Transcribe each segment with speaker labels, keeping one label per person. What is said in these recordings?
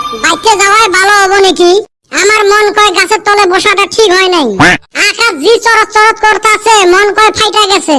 Speaker 1: বাইকে যাওয়াই ভালো হবে নাকি? আমার মন কয় গাছের তলে বসাটা ঠিক হয় নাই। আকাশ জি চরত চরত করতেছে, মন কয় ফাইটা গেছে।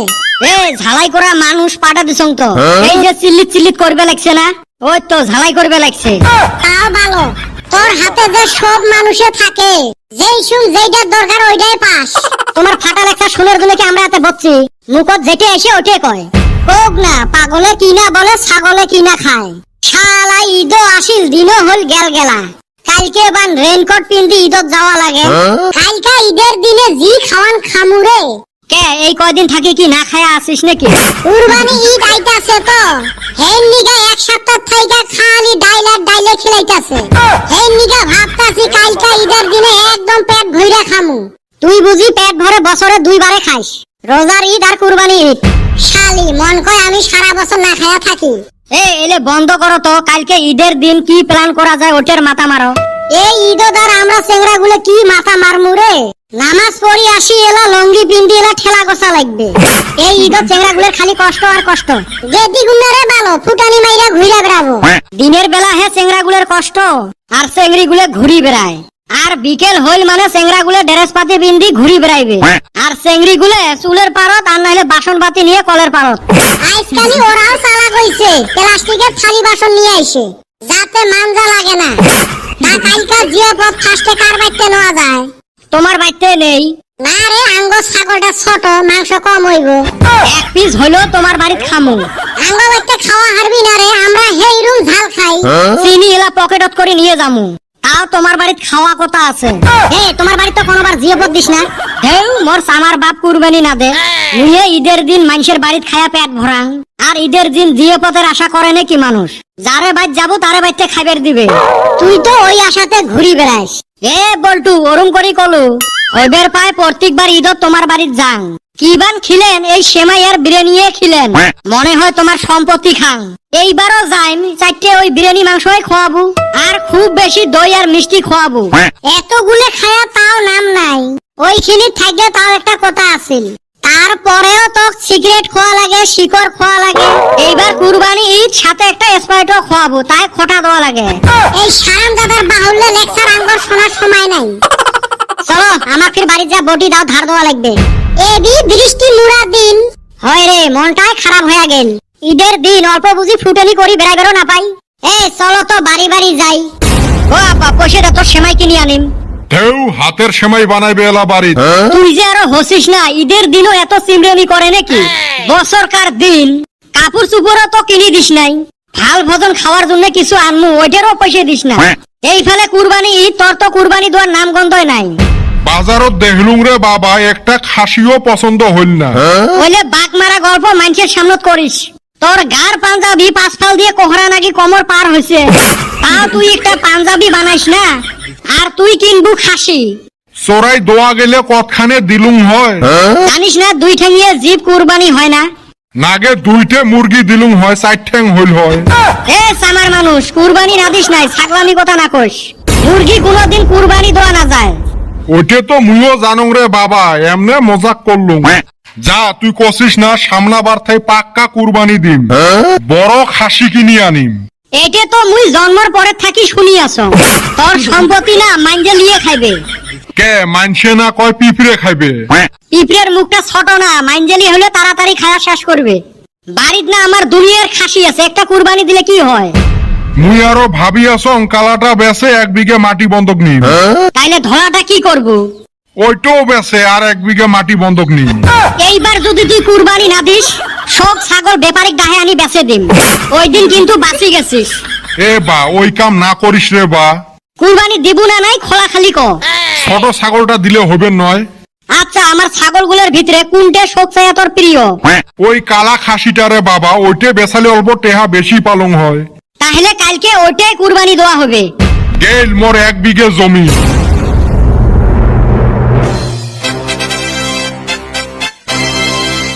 Speaker 2: ঝালাই করা মানুষ পাঠা দিছং তো, এই যে চিল্লিত চিল্লিত করবে লাগছে না, ওই তো ঝালাই করবে লাগছে।
Speaker 1: তাও ভালো, তোর হাতে যে সব মানুষে থাকে, যেই শুন যেইটার দরকার ওইটাই পাস।
Speaker 2: তোমার ফাটা লেখা শুনের জন্য কি আমরা এতে বলছি? মুখত যেটা এসে ওটাই কয়। কোক না, পাগলে কিনা বলে ছাগলে কিনা খায়। শালা ঈদও আসিল, দিনও হল গেল গেলা। কালকে বান রেনকোট পিন্দি ঈদত যাওয়া লাগে।
Speaker 1: কালকা ঈদের দিনে জি খাওয়ান খামুরে।
Speaker 2: কে এই কয়দিন থাকি কি না খায়া আসিস নাকি?
Speaker 1: কুরবানি ঈদ আইতাছে তো, হেন নিগা এক সপ্তাহ থাইকা খালি ডাইলে খিলাইতাছে। হেন নিগা ভাবতাছি কালকা ঈদের দিনে একদম পেট ভইরা খামু।
Speaker 2: তুই বুঝি পেট ভরে বছরে 2 বারে খাইস, রোজার ঈদ আর কুরবানি ঈদ।
Speaker 1: শালি মন কয় আমি সারা বছর না খায়া থাকি।
Speaker 2: এলে বন্ধ করো তো, কালকে ঈদের দিন কি প্ল্যান করা যায় ওটার মাথা মারো।
Speaker 1: এই ঈদদার আমরা চেংড়া গুলো কি মাথা মারমু রে? নামাজ পড়ি আসি এলা লঙ্গি পিন্দি এলা ঠেলা গোসা লাগবে।
Speaker 2: এই ঈদের চেংড়া গুলোর খালি কষ্ট আর কষ্ট।
Speaker 1: গেদি গুন্নারে ভালো ফুটানি মাইরা ঘুরে বেড়াবো।
Speaker 2: দিনের বেলা হে চেংড়া গুলোর কষ্ট, আর চেংড়ি গুলো ঘুরি বেড়ায়। আর বিকেল হইল মানে চেংড়া গুলো ড্রেস পাতি পিন্দি ঘুরি বেড়াইবে। আর চেংড়ি গুলো চুলের পারত আর নাইলে বাসন পাতি নিয়ে কলের পারত।
Speaker 1: আজকালি ওরাও চালাক হইছে, প্লাস্টিকের থালি বাসন নিয়ে আইছে, যাতে মানজা লাগে না। তা কালকা জিও পথ ফাস্টে কার বাইতে নেওয়া যায়?
Speaker 2: তোমার বাইতে নেই?
Speaker 1: না রে, আঙ্গ ছাগলটা ছোট, মাংস কম হইব।
Speaker 2: 1 পিস হইলো তোমার বাড়িতে খামু।
Speaker 1: আঙ্গ বাইতে খাওয়া হারবি না রে, আমরা হেই রুম ঝাল খাই।
Speaker 2: চিনি এলা পকেটত করে নিয়ে যামু, তাও তোমার বাড়িতে খাওয়া কথা আছে। তোমার বাড়িতে কোনোবার জিওপত দিস না? মোর আমার বাপ কুরবানি না দে, মুয়ে ঈদের দিন মানুষের বাড়িতে খায়া পেট ভরাং। আর ঈদের দিন জিওপতের আশা করে নাকি মানুষ? যারে বাইত যাবো তারে বাইতে খাইবার দিবে।
Speaker 1: তুই তো ওই আশাতে ঘুরি বেড়াইস।
Speaker 2: বল্টু ওরম করি কলু, ওইবার পায় প্রত্যেকবার ঈদত তোমার বাড়িতে যাং। কিবান খিলেন এই সেমাই আর বিরিয়ানি খিলেন, মনে হয় তোমার সম্পত্তি খাং। এইবারও যাইম, 4টে ওই বিরিয়ানি মাংসই খোয়াবো, আর খুব বেশি দই আর মিষ্টি খোয়াবো।
Speaker 1: এতগুলো খায়া তাও নাম নাই, ওইখানে থাকলে তাও একটা কথা আছিল। তারপরেও তো সিগারেট খোয়া লাগে, শিকড় খোয়া লাগে।
Speaker 2: এইবার কুরবানি ঈদ সাথে একটা স্প্রাইটও খোয়াবো, তাই খোটা দেওয়া লাগে।
Speaker 1: এই সারাম দাদার বাহুল্য লেকচার আঙ্গর শোনার সময় নাই।
Speaker 2: চলো আমাকে বাড়ি যা বটি দাও, ধার দেওয়া লাগবে।
Speaker 1: এবি বৃষ্টি মুড়া দিন
Speaker 2: হয় রে, মনটাই খারাপ হয়ে গেল। ঈদের দিন অল্প বুঝি ফুটানি করি বেড়াইবেরও না পাই।
Speaker 1: চলো তো বাড়ি বাড়ি যাই।
Speaker 2: ও আপা পয়সা তোর সেমাই কিনে আনিম।
Speaker 3: ঢেউ হাতের সেমাই বানাইবে এলা বাড়ি।
Speaker 2: তুই যে আরো হসিস না, ঈদের দিনও এত সিমরেমি করে নাকি? বছরকার দিন কাপড় চুপড়ও তো কিনে দিস নাই, ভাল ভোজন খাওয়ার জন্য কিছু আনমু, ওইটারও পয়সা দিস না। এই ফেলে কুরবানি ঈদ, তোর তো কুরবানি দেওয়ার নাম গন্ধই নাই।
Speaker 3: বাজারত দেখলুম রে বাবা, একটা খাসিও পছন্দ হইল না।
Speaker 2: বলে বাঘ মারা গল্প মানুষের সামনত করিস। তোর গার পাঞ্জাবি 5 ফাল দিয়ে কোহরা নাকি কোমর পার হয়েছে, তাও তুই একটা পাঞ্জাবি বানাইস না, আর তুই কিনবু খাসি।
Speaker 3: চোরাই দোয়া গেলে কতখানে দিলুম হয়।
Speaker 2: জানিস না 2 ঠ্যাঙিয়ে জীব কুরবানি হয় না?
Speaker 3: নাগে 2টে মুরগি দিলুম হয়, 4 ঠ্যাং হইল হয়।
Speaker 2: সামার মানুষ কুরবানি না দিস নাই, ছাগলামি কথা না কইস। মুরগি কোনদিন কুরবানি দেওয়া না যায়।
Speaker 3: ওইটে তো মুইও জানুং রে বাবা, এমনে মজাক করলুম। যা তুই কছিস না, সামনাবার থাই পাক্কা কুরবানি দিম, বড় খাসি কিনি আনিম।
Speaker 2: এইটা তো মুই জন্মের পরে থাকি শুনি আছো। তোর সম্পত্তি না মাইন্ডে লিয়ে খাইবে।
Speaker 3: কে মানছে না কয় পিঁপড়ে খাইবে?
Speaker 2: পিঁপড়ের মুখটা ছোট না, মাইন্ডেলি হলে তাড়াতাড়ি খাওয়া শেষ করবে। বাড়িত না আমার দুনিয়ার খাসি আছে, একটা কুরবানি দিলে কি হয়?
Speaker 3: মুই আরো ভাবি আসং কালাটা বেচে 1 বিঘে মাটি বন্ধক নিম।
Speaker 2: তাইলে ধরাটা কি করব?
Speaker 3: ওইটাও বেচে আর 1 বিঘে মাটি বন্ধক নিম।
Speaker 2: এইবার যদি তুই কুরবানি না দিস, সব ছাগল ব্যাপারিক দাহে আনি বেচে দিম। ওই দিন কিন্তু বাঁচি গেছিস।
Speaker 3: বা ওই কাম না করিস রে বা।
Speaker 2: কুরবানি দিব না নাই খোলা খালি ক।
Speaker 3: ছোট ছাগলটা দিলে হবে নয়?
Speaker 2: আচ্ছা, আমার ছাগলগুলোর ভিতরে কোনটা সবচেয়ে তোর প্রিয়?
Speaker 3: ওই কালা খাসিটা রে বাবা, ওইটা বেচালে অল্প টেহা বেশি পালং হয়।
Speaker 2: তাহলে কালকে ওইটাই কুরবানি দেওয়া হবে।
Speaker 3: গেল মোর 1 বিঘে জমি।